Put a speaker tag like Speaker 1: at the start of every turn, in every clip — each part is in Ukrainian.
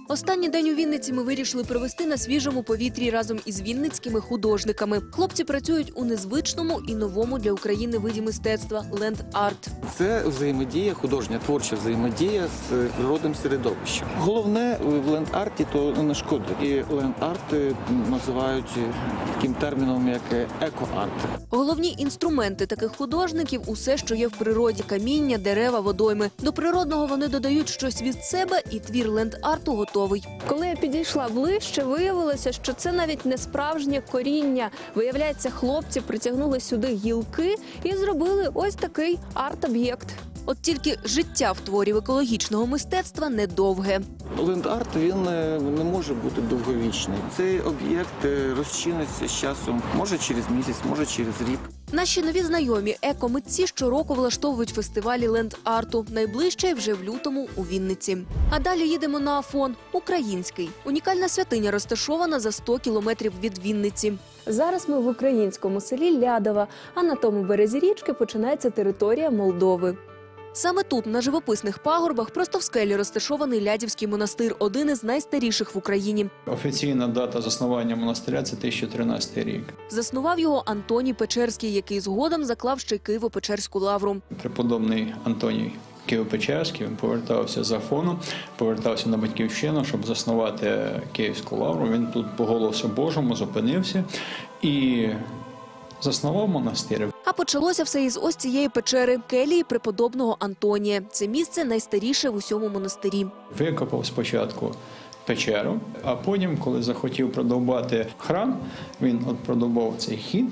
Speaker 1: Останній день у Вінниці ми вирішили провести на свіжому повітрі разом із вінницькими художниками. Хлопці працюють у незвичному і новому для України виді мистецтва – ленд-арт.
Speaker 2: Це взаємодія, художня, творча взаємодія з природним середовищем. Головне в ленд-арті – то не шкодить. І ленд-арт називають таким терміном, як еко-арт.
Speaker 1: Головні інструменти таких художників – усе, що є в природі – каміння, дерева, водойми. До природного вони додають щось від себе, і твір ленд-арту готовий. Коли я підійшла ближче, виявилося, що це навіть не справжнє коріння. Виявляється, хлопці притягнули сюди гілки і зробили ось такий арт-об'єкт. От тільки життя в творів екологічного мистецтва недовге.
Speaker 2: Ленд-арт, він не може бути довговічний. Цей об'єкт розчиниться з часом, може через місяць, може через рік.
Speaker 1: Наші нові знайомі екомитці щороку влаштовують фестивалі ленд-арту. Найближчий вже в лютому у Вінниці. А далі їдемо на Афон – український. Унікальна святиня розташована за 100 кілометрів від Вінниці. Зараз ми в українському селі Лядова, а на тому березі річки починається територія Молдови. Саме тут, на живописних пагорбах, просто в скелі розташований Лядівський монастир – один із найстаріших в Україні.
Speaker 3: Офіційна дата заснування монастиря – це 1013 рік.
Speaker 1: Заснував його Антоній Печерський, який згодом заклав ще й Києво-Печерську лавру.
Speaker 3: Преподобний Антоній Києво-Печерський, він повертався з Афону, повертався на Батьківщину, щоб заснувати Київську лавру. Він тут по голосу Божому зупинився і заснував монастир.
Speaker 1: А почалося все із ось цієї печери – келії преподобного Антонія. Це місце найстаріше в усьому монастирі.
Speaker 3: Викопав спочатку печеру, а потім, коли захотів продовбати храм, він продовбав цей хід.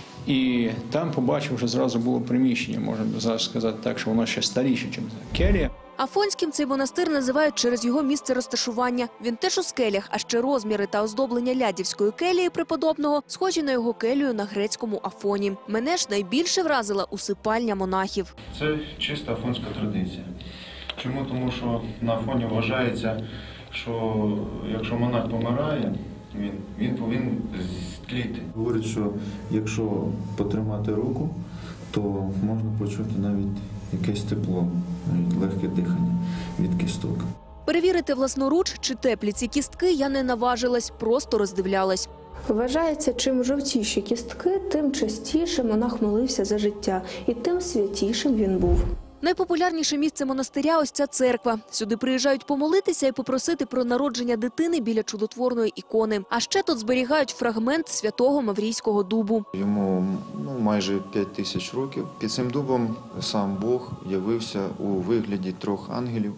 Speaker 3: І там побачив, що зразу було приміщення, можна зараз сказати так, що воно ще старіше, ніж келія.
Speaker 1: Афонським цей монастир називають через його місце розташування. Він теж у скелях, а ще розміри та оздоблення Лядівської келії преподобного схожі на його келію на грецькому Афоні. Мене ж найбільше вразила усипальня монахів.
Speaker 4: Це чиста афонська традиція. Чому? Тому що на Афоні вважається, що якщо монах помирає, він повинен зтліти.
Speaker 5: Говорять, що якщо потримати руку, то можна почути навіть якесь тепло, навіть легке дихання від кісток.
Speaker 1: Перевірити власноруч, чи теплі ці кістки, я не наважилась, просто роздивлялась. Вважається, чим жовтіші кістки, тим частіше монах молився за життя, і тим святішим він був. Найпопулярніше місце монастиря – ось ця церква. Сюди приїжджають помолитися і попросити про народження дитини біля чудотворної ікони. А ще тут зберігають фрагмент святого Маврійського дубу.
Speaker 6: Йому майже 5000 років. Під цим дубом сам Бог явився у вигляді 3 ангелів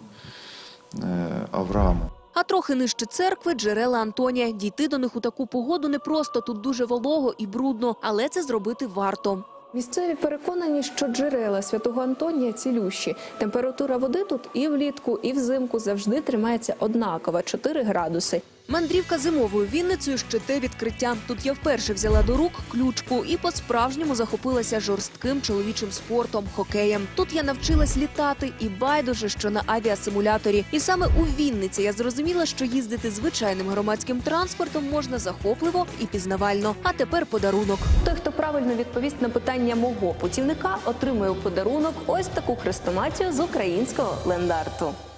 Speaker 6: Авраама.
Speaker 1: А трохи нижче церкви – джерела Антонія. Дійти до них у таку погоду непросто, тут дуже волого і брудно, але це зробити варто. Місцеві переконані, що джерела святого Антонія цілющі. Температура води тут і влітку, і взимку завжди тримається однакова – 4 градуси. Мандрівка зимовою Вінницею ще те відкриття. Тут я вперше взяла до рук ключку і по-справжньому захопилася жорстким чоловічим спортом – хокеєм. Тут я навчилась літати і байдуже, що на авіасимуляторі. І саме у Вінниці я зрозуміла, що їздити звичайним громадським транспортом можна захопливо і пізнавально. А тепер подарунок. Той, хто правильно відповість на питання мого путівника, отримує у подарунок ось таку хрестоматію з українського ленд-арту.